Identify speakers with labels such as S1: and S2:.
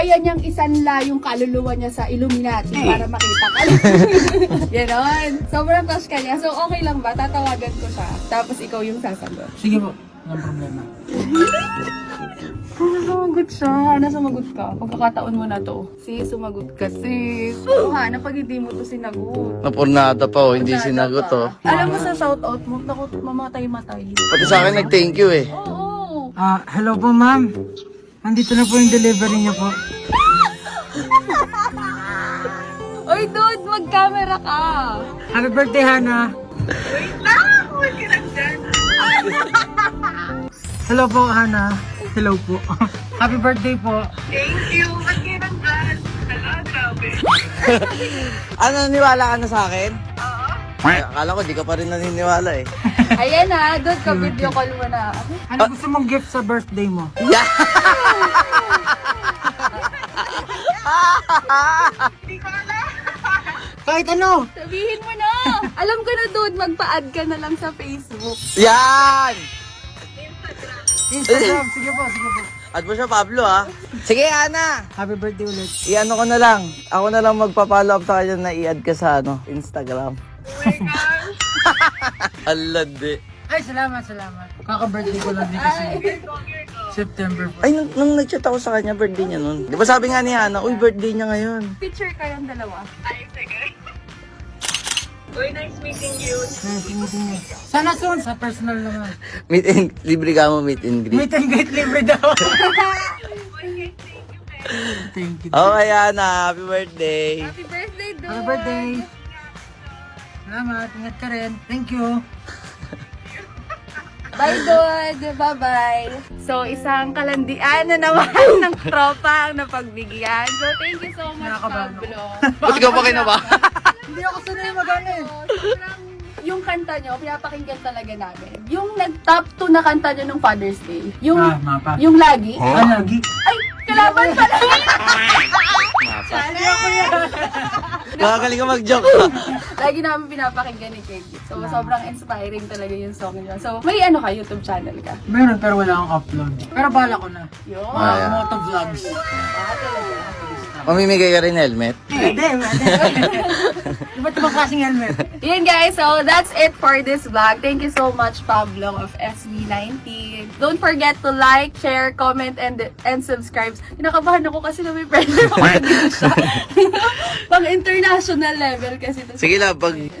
S1: Kaya niyang isanla yung kaluluwa niya sa Illuminati para makita ka. Ganon. Sobrang crush ka niya. So, okay lang ba? Tatawagan ko siya. Tapos ikaw yung sasagot.
S2: Sige po, walang problema.
S1: Sumagot siya. Sumagot ka. Pagkakataon mo na to. Sis, sumagot ka, sis. Na pag hindi mo to sinagot.
S3: Napurnada pa oh, hindi sinagot oh.
S1: Alam mo sa shoutout mo, naku, mamatay-matay.
S3: Pati sa akin nag-thank you eh.
S1: Oo.
S2: Hello po ma'am. Nandito na po yung delivery niyo po.
S1: Oy, dude, mag-camera ka.
S2: Happy birthday, Hana. Hello po, Hana. Hello po. Happy birthday po.
S4: Thank you. Ba't kayo nandyan? Hala, grabe.
S3: Ano, naniwala ka na sa akin?
S4: Oo.
S3: Akala ko di ka pa rin naniniwala eh.
S1: Ayan na, dude, ka-video call mo na.
S2: Ano gusto mong gift sa birthday mo?
S3: Yeah!
S4: Hindi ko alam.
S2: Kahit ano.
S1: Sabihin mo na. Alam ko na, dude, magpa-add ka na lang sa Facebook.
S3: Yan!
S2: Instagram. Sige po, sige po.
S3: At mo siya, Pablo ha? Sige, Ana!
S2: Happy birthday ulit.
S3: I-ano ko na lang. Ako na lang magpa-follow up sa kanya na i-add ka sa Instagram.
S4: Oh my gosh.
S3: Alad eh.
S2: Ay, salamat. Kaka-birthday ko lang din kasi. September 4.
S3: Ay, nung nag-chat ako sa kanya, birthday niya nun. Di ba sabi nga ni Ana, uy, birthday niya ngayon.
S1: Picture kayong dalawa.
S4: Ay, sige. Uy, nice meeting you.
S2: Nice meeting you. Sana soon, sa personal naman.
S3: Libre ka mo, meet and greet.
S2: Meet and greet libre daw.
S4: Okay, thank you, man.
S2: Thank you.
S3: Okay, Ana. Happy birthday.
S1: Happy birthday, dude.
S2: Happy birthday. Salamat. Ingat ka rin. Thank you.
S1: Bye, dude. Bye-bye. So, isang kalandian na naman ng tropa ang napagbigyan. So, thank you so much,
S2: Nakakabahan ako.
S1: Pablo.
S3: Ba't ka pa kinaba?
S2: Hindi ako sanay magana eh.
S1: Sobrang yung kanta nyo, pinapakinggan talaga namin. Yung nag-top 2 na kanta nyo nung Father's Day. Yung,
S2: Mapa.
S1: yung lagi.
S2: Lagi?
S1: Ay, kalaban pala.
S3: Nakagaling ka mag-joke.
S1: Lagi namin pinapakinggan ni Kate. So, sobrang inspiring talaga yung song nyo. So, may ano ka, YouTube channel ka?
S2: Meron pero wala akong upload. Pero bala ko na.
S1: Yun.
S3: Ah,
S2: Moto vlogs.
S3: Mamimigay ka rin helmet?
S2: Hindi. Iba't ibang klaseng helmet.
S1: Yun guys, so that's it for this vlog. Thank you so much, Pablo of SB19. Don't forget to like, share, comment, and subscribe. Kinakabahan ako kasi na may friend ako. Pang international level kasi.
S3: Sige lang, pag